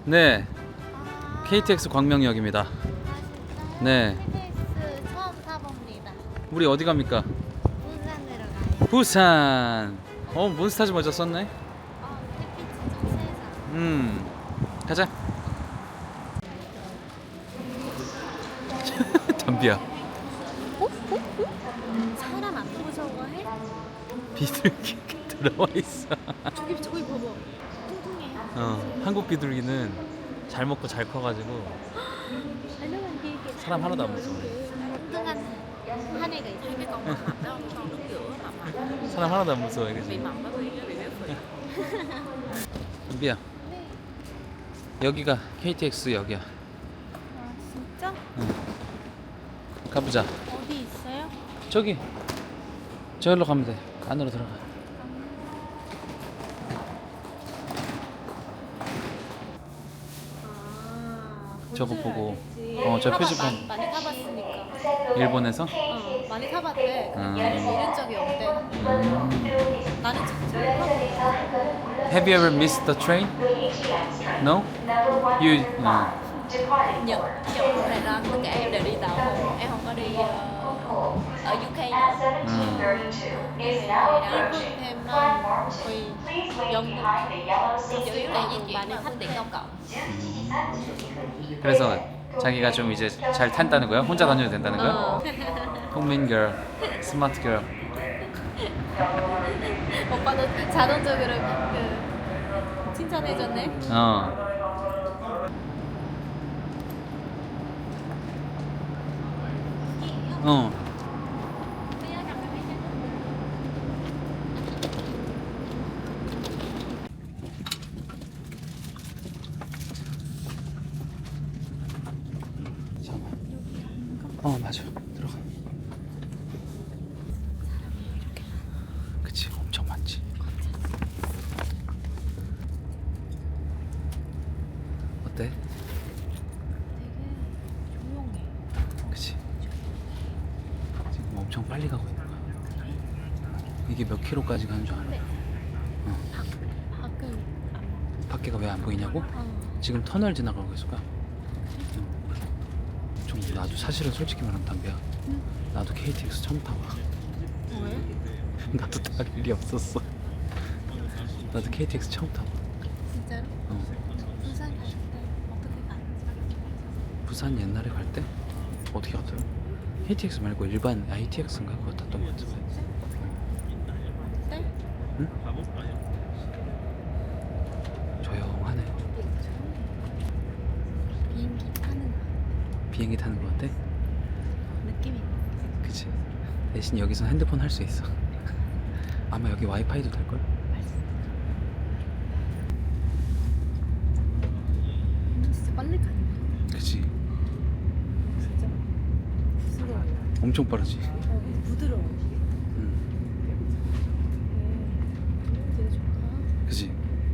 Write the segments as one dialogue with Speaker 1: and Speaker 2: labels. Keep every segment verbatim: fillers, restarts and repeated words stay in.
Speaker 1: 네,
Speaker 2: 아,
Speaker 1: 케이티엑스 광명역입니다.
Speaker 2: 아, 진짜요?
Speaker 1: 네.
Speaker 2: 케이티엑스 처음 타봅니다.
Speaker 1: 우리 어디 갑니까?
Speaker 2: 부산으로 가요.
Speaker 1: 부산. 어, 몬스타즈 모자 썼네.
Speaker 2: 어, 햇빛이 좀 세서.
Speaker 1: 음, 가자. 담비야.
Speaker 2: 어? 어? 어? 사람 안 무서워해?
Speaker 1: 비둘기 들어와 있어.
Speaker 2: 저기 저기 봐봐. 뚱뚱해.
Speaker 1: 어, 한국 비둘기는 잘 먹고 잘 커가지고 사람 하나도 안 무서워.
Speaker 2: 뚱뚱한 한 애가 있어.
Speaker 1: 사람 하나도 안 무서워, 그지? 담비야,
Speaker 2: 네.
Speaker 1: 여기가 케이티엑스 역이야.
Speaker 2: 아 진짜?
Speaker 1: 가보자.
Speaker 2: 어디 있어요?
Speaker 1: 저기, 저기로 가면 돼. 안으로 들어가.
Speaker 2: 아,
Speaker 1: 저거
Speaker 2: 뭔지
Speaker 1: 보고.
Speaker 2: 알겠지.
Speaker 1: 어, 저
Speaker 2: 타봐-
Speaker 1: 표지판.
Speaker 2: 많이, 많이 타봤으니까.
Speaker 1: 일본에서?
Speaker 2: 어, 많이 타봤대.
Speaker 1: 음.
Speaker 2: 잃은 적이 없대.
Speaker 1: 음.
Speaker 2: 나는 진짜 타봤어.
Speaker 1: Have you ever missed the train? No? You, uh,
Speaker 3: Nhật Nhật Đài Loan tất cả em đều đi tàu không, em không có đi ờ, ở u ca nữa.
Speaker 1: 음.
Speaker 2: 일본 대만 거의 영국
Speaker 3: Chủ yếu là di chuyển bằng phương tiện công cộng.
Speaker 1: 그래서 자기가 좀 이제 잘 탄다는 거야? 혼자 다녀도 된다는 거야?
Speaker 2: 어.
Speaker 1: 국민 girl, 스마트 girl.
Speaker 2: 오빠도 자동적으로 그 칭찬해줬네.
Speaker 1: 어. 어. 잠깐만. 어, 맞아. 들어가. 그치, 엄청 많지. 어때?
Speaker 2: 되게 조용해.
Speaker 1: 그치. 지금 엄청 빨리 가고 있는 거야. 이게 몇 킬로까지 가는 줄 알아?
Speaker 2: 밖 밖은 안.
Speaker 1: 밖에가 왜 안 보이냐고?
Speaker 2: 어.
Speaker 1: 지금 터널 지나가고 있을 거야. 좀 나도 사실은 솔직히 말하면 담배야.
Speaker 2: 응?
Speaker 1: 나도 케이티엑스 처음 타봐.
Speaker 2: 왜?
Speaker 1: 나도 탈 일이 없었어. 나도 케이티엑스 처음 타봐.
Speaker 2: 진짜로?
Speaker 1: 어.
Speaker 2: 부산 갈 때 어떻게 갔지?
Speaker 1: 부산 옛날에 갈 때 어떻게 갔더라? 케이티엑스 말고 일반 아이티엑스인가 그거 탔던 것 같은데.
Speaker 2: 때?
Speaker 1: 응? 조용하네.
Speaker 2: 비행기 타는
Speaker 1: 비행기 타는 거 같아?
Speaker 2: 느낌이.
Speaker 1: 그치. 대신 여기서 핸드폰 할 수 있어. 아마 여기 와이파이도 될걸?
Speaker 2: 진짜 빨리 가네.
Speaker 1: 그치.
Speaker 2: 진짜 부드러워.
Speaker 1: 엄청 빠르지.
Speaker 2: 어, 부드러워.
Speaker 1: 응.
Speaker 2: 되게 좋다.
Speaker 1: 그치.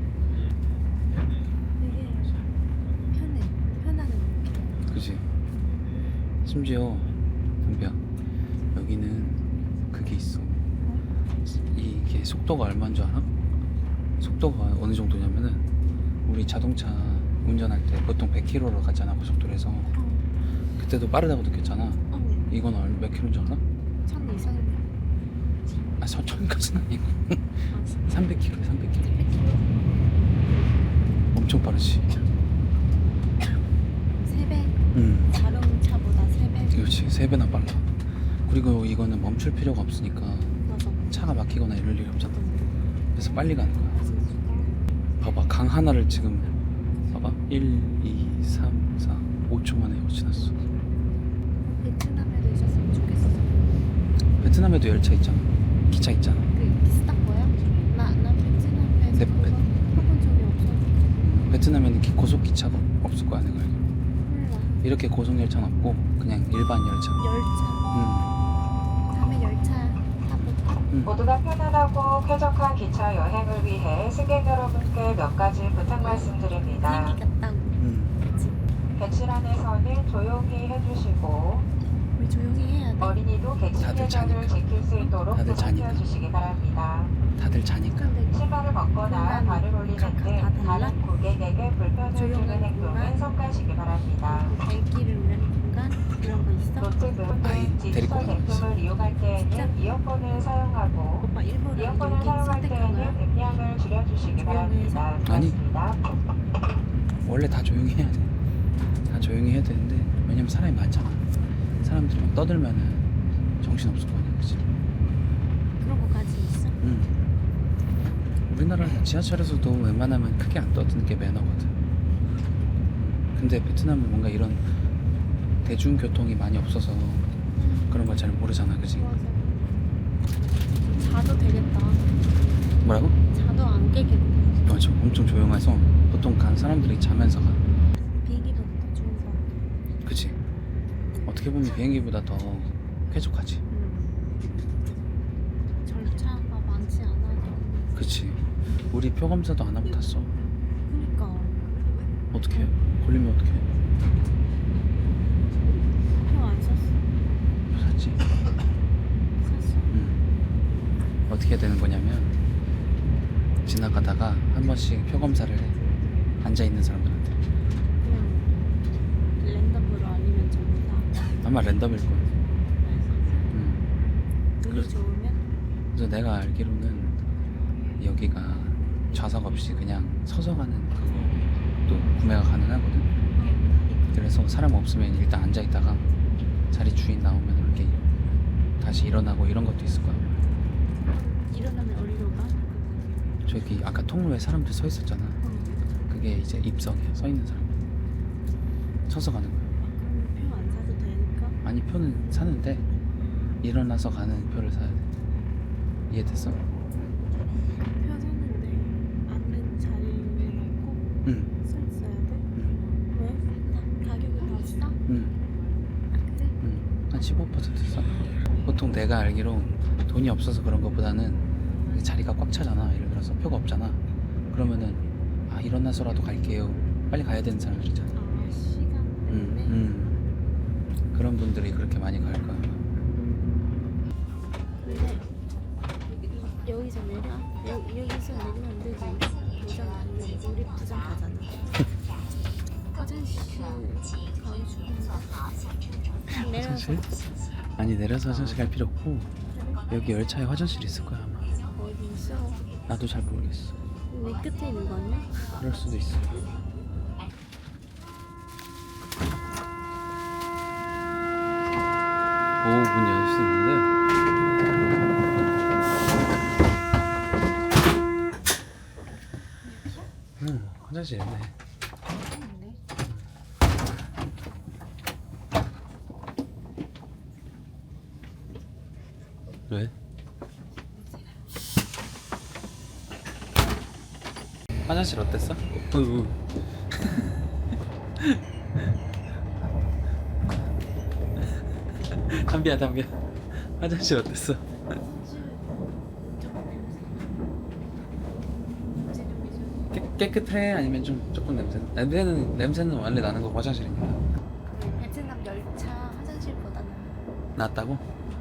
Speaker 2: 되게 편해. 편안한 느낌.
Speaker 1: 그치. 심지어 담비야, 여기는 그게 있어. 이게 속도가 얼마인 줄 알아? 속도가 어느 정도냐면은 우리 자동차 운전할 때 보통 백 킬로미터로 가잖아, 고속도로에서.
Speaker 2: 어.
Speaker 1: 그때도 빠르다고 느꼈잖아.
Speaker 2: 어.
Speaker 1: 이건 얼- 몇 킬로인 줄 알아?
Speaker 2: 천 이상인데.
Speaker 1: 아, 천까지는 아니고 삼백 킬로미터, 삼백 킬로미터. 엄청 빠르지.
Speaker 2: 세 배.
Speaker 1: 응.
Speaker 2: 자동차보다 세 배.
Speaker 1: 그렇지, 세 배나 빨라. 그리고 이거는 멈출 필요가 없으니까
Speaker 2: 맞아.
Speaker 1: 차가 막히거나 이럴 일이 없잖아. 그래서 빨리 가는 거야. 봐봐, 강 하나를 지금 봐봐, 일, 이, 삼, 사, 오 초 만에 지났어.
Speaker 2: 베트남에도 있었으면 좋겠어.
Speaker 1: 베트남에도 열차 있잖아, 기차 있잖아.
Speaker 2: 그 비슷한 거야? 나, 나 베트남에서
Speaker 1: 네,
Speaker 2: 그거
Speaker 1: 베-
Speaker 2: 해본 적이 없어.
Speaker 1: 베트남에는 기- 고속 기차가 없을 거야, 내가 알기로.
Speaker 2: 몰라.
Speaker 1: 이렇게 고속 열차는 없고 그냥 일반 열차.
Speaker 2: 열차.
Speaker 1: 음.
Speaker 2: 다음에 열차 타볼까?
Speaker 1: 음.
Speaker 4: 모두가 편안하고 쾌적한 기차 여행을 위해 승객 여러분께 몇 가지 부탁 말씀드립니다.
Speaker 2: 비행기 갔다고.
Speaker 1: 음.
Speaker 4: 객실 안에서는 조용히 해주시고
Speaker 2: 우리 조용히 해야 돼.
Speaker 4: 어린이도 객실
Speaker 1: 다들
Speaker 4: 예절을
Speaker 1: 자니까.
Speaker 4: 지킬 수 있도록
Speaker 1: 다들 자니까.
Speaker 4: 부탁해 주시기 바랍니다.
Speaker 1: 다들 자니까.
Speaker 2: 근데
Speaker 4: 신발을 벗거나
Speaker 2: 그건
Speaker 4: 발을 올리는
Speaker 2: 각각 다
Speaker 4: 등
Speaker 2: 달라?
Speaker 4: 다른 고객에게 불편을 주는
Speaker 2: 조용한
Speaker 4: 행동은
Speaker 2: 공간?
Speaker 4: 삼가시기 바랍니다.
Speaker 2: 발길을 누르는 공간 이런 거 있어?
Speaker 4: 노트북
Speaker 1: 아이,
Speaker 4: 등
Speaker 1: 데리고
Speaker 4: 디지털
Speaker 1: 가는 거지.
Speaker 4: 제품을 이용할 때에는
Speaker 2: 진짜?
Speaker 4: 이어폰을 사용하고
Speaker 2: 오빠 일부러
Speaker 4: 이어폰을
Speaker 2: 여기
Speaker 4: 사용할
Speaker 2: 선택한 거야?
Speaker 4: 때에는 음량을 줄여주시기 바랍니다.
Speaker 1: 아니.
Speaker 4: 고맙습니다.
Speaker 1: 원래 다 조용히 해야 돼. 다 조용히 해야 되는데 왜냐면 사람이 많잖아. 사람들이 막 떠들면은 정신 없을 거 아니야, 그치?
Speaker 2: 그런 거까지 있어?
Speaker 1: 응. 우리나라 지하철에서도 웬만하면 크게 안 떠드는 게 매너거든. 근데 베트남은 뭔가 이런 대중교통이 많이 없어서 그런 걸 잘 모르잖아, 그치?
Speaker 2: 맞아. 자도 되겠다.
Speaker 1: 뭐라고?
Speaker 2: 자도 안 깨겠다.
Speaker 1: 맞아. 엄청 조용해서 보통 간 사람들이 자면서 가.
Speaker 2: 비행기보다 더 좋은 거 같아.
Speaker 1: 그치? 어떻게 보면 비행기보다 더 쾌적하지.
Speaker 2: 음. 절차가 많지 않아서.
Speaker 1: 그치? 우리 표 검사도 안 하고 탔어.
Speaker 2: 그니까.
Speaker 1: 어떻게 해? 걸리면 어떻게 해?
Speaker 2: 표 안 샀어.
Speaker 1: 표 샀지?
Speaker 2: 샀어.
Speaker 1: 응. 어떻게 해야 되는 거냐면 지나가다가 한 번씩 표 검사를 해. 앉아있는 사람들한테.
Speaker 2: 그냥 랜덤으로 아니면 전부 다.
Speaker 1: 아마 랜덤일 거야. 응.
Speaker 2: 운이
Speaker 1: 그래.
Speaker 2: 좋으면
Speaker 1: 그래서 내가 알기로는 여기가 좌석 없이 그냥 서서 가는 그것도 구매가 가능하거든. 그래서 사람 없으면 일단 앉아있다가 자리 주인 나오면 이렇게 다시 일어나고 이런 것도 있을 거야.
Speaker 2: 일어나면 어디로 가?
Speaker 1: 저기 아까 통로에 사람들 서 있었잖아. 그게 이제 입석이야. 서 있는 사람. 서서 가는 거야.
Speaker 2: 그럼 표 안 사도 되니까.
Speaker 1: 아니 표는 사는데 일어나서 가는 표를 사야 돼. 이해됐어?
Speaker 2: 표 샀는데 앉는 자리에 놓고
Speaker 1: 응.
Speaker 2: 서 있어야 돼?
Speaker 1: 응.
Speaker 2: 왜? 다 가격이 더 싸?
Speaker 1: 응.
Speaker 2: 아 그래?
Speaker 1: 응. 한 십오 퍼센트 싸. 보통 내가 알기로 돈이 없어서 그런 것보다는 자리가 꽉 차잖아. 예를 들어서 표가 없잖아. 그러면은 아 일어나서라도 갈게요. 빨리 가야 되는 사람들 있잖아.
Speaker 2: 아 시간
Speaker 1: 응.
Speaker 2: 때문에?
Speaker 1: 응. 그런 분들이 그렇게 많이 갈 거야.
Speaker 2: 근데 여기서 내려? 여, 여기서 내리면 안 되지. 부산 아니면 우리 부산 가잖아. 화장실 가기 싫은데 내려서
Speaker 1: 화장실? 아니 내려서 화장실 갈 필요 없고 여기 열차에 화장실 있을 거야 아마.
Speaker 2: 어디 있어?
Speaker 1: 나도 잘 모르겠어.
Speaker 2: 내 끝에 있는 거 아니야?
Speaker 1: 그럴 수도 있어. 오, 문 열 수 있는데. 응, 화장실 있네.
Speaker 2: 있네.
Speaker 1: 왜? 화장실 어땠어? 으. 담비야 담비야 화장실 어땠어? 깨, 깨끗해? 아니면 좀 조금 냄새? 냄새는 냄새는 원래 나는 거 화장실입니다.
Speaker 2: 그 베트남 열차 화장실보다는
Speaker 1: 낫다고?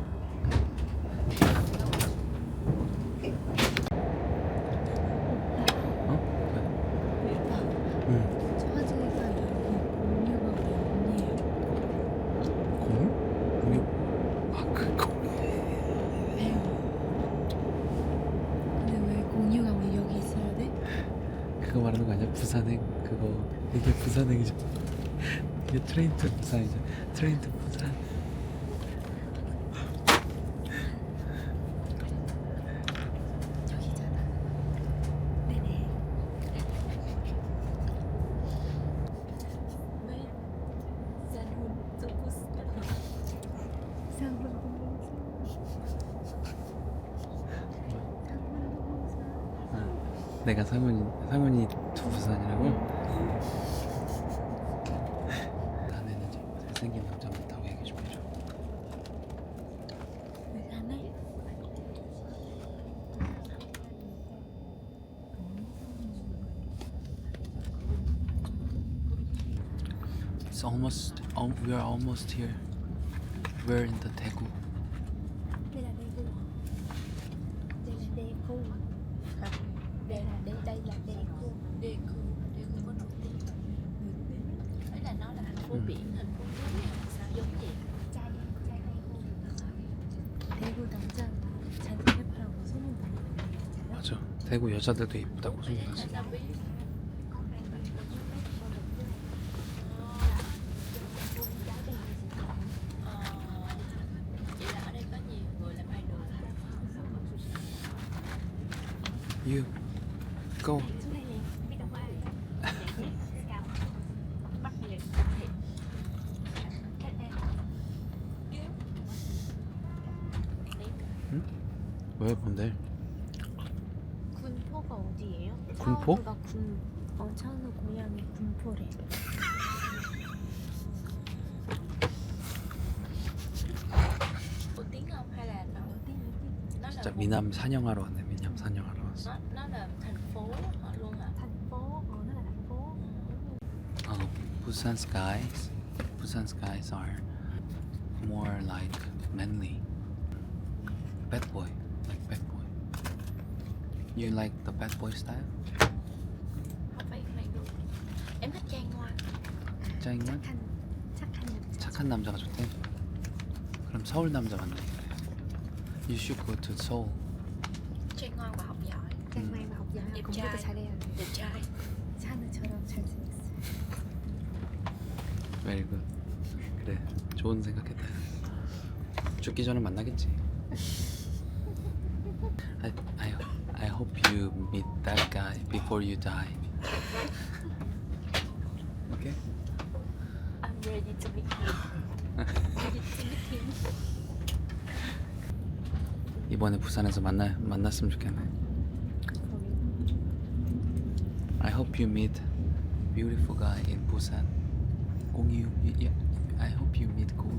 Speaker 1: 어?
Speaker 2: 일단
Speaker 1: 응.
Speaker 2: 저 화장실가 여기 공유가 우리 언니예요.
Speaker 1: 공유? 공유? 아, 그 공유.
Speaker 2: 왜요? 근데 왜 공유가 우리 여기 있어야 돼?
Speaker 1: 그거 말하는 거 아니야? 부산행 그거 이게 부산행이죠. 이게 트레인 투 부산이죠. 트레인 투 부산.
Speaker 2: 여기잖아. 네네. 왜? 산혼 조코스. 산혼
Speaker 1: 아, 내가 상훈이 상훈이 투 부산이라고? 다음에는 좀 잘생긴 남자 많다고 얘기 좀 해줘.
Speaker 2: 왜 가네?
Speaker 1: It's almost um, we are almost here. We're in the Daegu.
Speaker 2: Đây là Daegu. Đây là Daegu.
Speaker 3: phố
Speaker 1: Ừ.
Speaker 3: biển, thành phố núi hay sao giống vậy.
Speaker 2: 대구 남자 잘 예쁘다고 소문나요.
Speaker 1: 맞아. 대구 여자들도 이쁘다고 소문났어.
Speaker 3: Sao biết? Ờ, vậy là ở đây có nhiều người làm idol.
Speaker 1: You go. 왜 뭔데?
Speaker 2: 군포가 어디예요?
Speaker 1: 군포?
Speaker 2: 차은우가 군, 어, 차은우 고향이 군포래.
Speaker 3: Có tiếng không hay là nó nó là
Speaker 1: 진짜
Speaker 3: một-
Speaker 1: 미남 사냥하러 왔네. 미남 사냥하러 왔어.
Speaker 3: nó nó là thành phố họ luôn hả?
Speaker 2: thành phố, ờ, nó là thành phố.
Speaker 1: Uh, Busan skies. Busan skies are more like manly. Bad boy, like bad boy. You like the bad boy style?
Speaker 3: Không phải phải luôn. Em thích Trang Ngoan.
Speaker 1: 짱이면
Speaker 2: 착한, 착한 남자.
Speaker 1: 착한 남자가 좋대. 그럼 서울 남자 만나기 그래. You should go to Seoul.
Speaker 3: Trang Ngoan và học giỏi.
Speaker 2: Trang Mai mà học giỏi,
Speaker 3: Đẹp
Speaker 2: 공부도
Speaker 3: trai.
Speaker 2: 잘해야 돼.
Speaker 3: Đẹp trai.
Speaker 2: 차은우처럼 잘생겼어요.
Speaker 1: Very good. 그래, 좋은 생각했다. 죽기 전에 만나겠지. I, I, I hope you meet that guy before you die. Okay?
Speaker 3: I'm ready to meet him. Ready to meet him.
Speaker 1: 이번에 부산에서 만나 만났으면 좋겠네. I hope you meet beautiful guy in Busan. 공유, yeah, I hope you meet cool